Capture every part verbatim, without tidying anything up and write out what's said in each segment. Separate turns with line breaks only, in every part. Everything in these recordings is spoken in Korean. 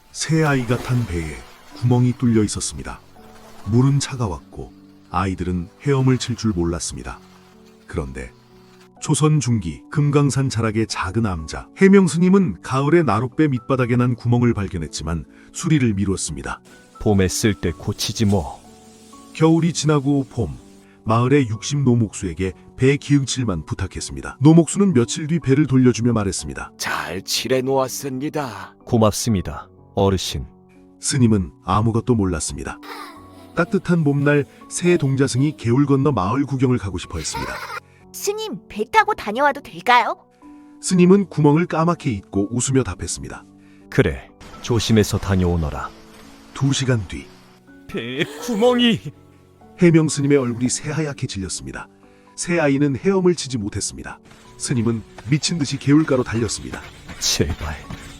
새 아이가 탄 배에 구멍이 뚫려 있었습니다. 물은 차가웠고 아이들은 헤엄을 칠 줄 몰랐습니다. 그런데 조선 중기 금강산 자락의 작은 암자 해명 스님은 가을에 나룻배 밑바닥에 난 구멍을 발견했지만 수리를 미뤘습니다.
봄에 쓸 때 고치지 뭐.
겨울이 지나고 봄, 마을의 육십 노목수에게 배 기응칠만 부탁했습니다. 노목수는 며칠 뒤 배를 돌려주며 말했습니다.
잘 칠해 놓았습니다.
고맙습니다, 어르신.
스님은 아무것도 몰랐습니다. 따뜻한 봄날 새 동자승이 개울 건너 마을 구경을 가고 싶어 했습니다.
스님, 배 타고 다녀와도 될까요?
스님은 구멍을 까맣게 잊고 웃으며 답했습니다.
그래, 조심해서 다녀오너라.
두 시간 뒤
배에 구멍이...
해명 스님의 얼굴이 새하얗게 질렸습니다. 새 아이는 헤엄을 치지 못했습니다. 스님은 미친 듯이 개울가로 달렸습니다.
제발,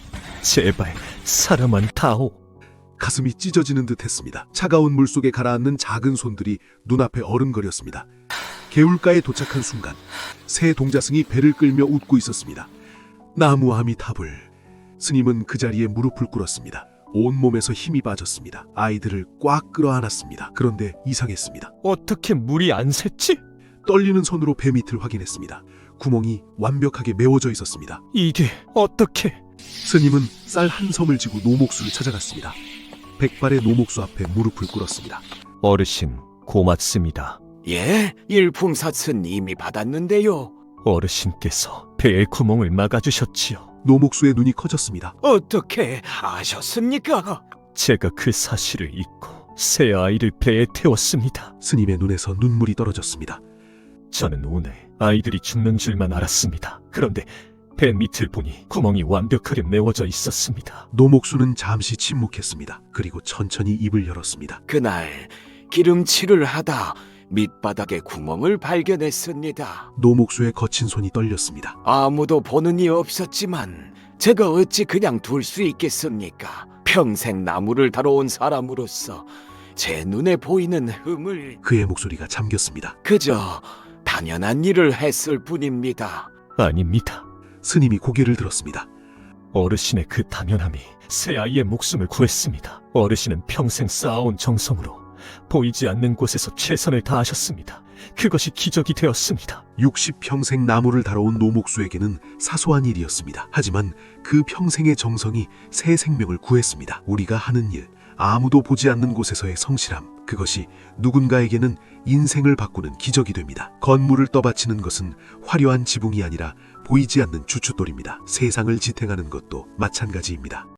제발 사람만 다오.
가슴이 찢어지는 듯 했습니다. 차가운 물속에 가라앉는 작은 손들이 눈앞에 어른거렸습니다. 개울가에 도착한 순간 새 동자승이 배를 끌며 웃고 있었습니다. 나무아미 탑을. 스님은 그 자리에 무릎을 꿇었습니다. 온몸에서 힘이 빠졌습니다. 아이들을 꽉 끌어안았습니다. 그런데 이상했습니다.
어떻게 물이 안 샜지?
떨리는 손으로 배 밑을 확인했습니다. 구멍이 완벽하게 메워져 있었습니다.
이게 어떻게...
스님은 쌀 한 섬을 지고 노목수를 찾아갔습니다. 백발의 노목수 앞에 무릎을 꿇었습니다.
어르신, 고맙습니다.
예, 일품사슴 이미 받았는데요.
어르신께서 배의 구멍을 막아주셨지요.
노목수의 눈이 커졌습니다.
어떻게 아셨습니까?
제가 그 사실을 잊고 새 아이를 배에 태웠습니다.
스님의 눈에서 눈물이 떨어졌습니다.
저는 오늘 아이들이 죽는 줄만 알았습니다. 그런데 배 밑을 보니 구멍이 완벽하게 메워져 있었습니다.
노목수는 잠시 침묵했습니다. 그리고 천천히 입을 열었습니다.
그날 기름칠을 하다 밑바닥에 구멍을 발견했습니다.
노목수의 거친 손이 떨렸습니다.
아무도 보는 이 없었지만 제가 어찌 그냥 둘 수 있겠습니까? 평생 나무를 다뤄온 사람으로서 제 눈에 보이는 흠을
그의 목소리가 잠겼습니다.
그저 당연한 일을 했을 뿐입니다.
아닙니다.
스님이 고개를 들었습니다.
어르신의 그 당연함이 새 아이의 목숨을 구했습니다. 어르신은 평생 쌓아온 정성으로 보이지 않는 곳에서 최선을 다하셨습니다. 그것이 기적이 되었습니다.
육십 평생 나무를 다뤄온 노목수에게는 사소한 일이었습니다. 하지만 그 평생의 정성이 새 생명을 구했습니다. 우리가 하는 일, 아무도 보지 않는 곳에서의 성실함, 그것이 누군가에게는 인생을 바꾸는 기적이 됩니다. 건물을 떠받치는 것은 화려한 지붕이 아니라 보이지 않는 주춧돌입니다. 세상을 지탱하는 것도 마찬가지입니다.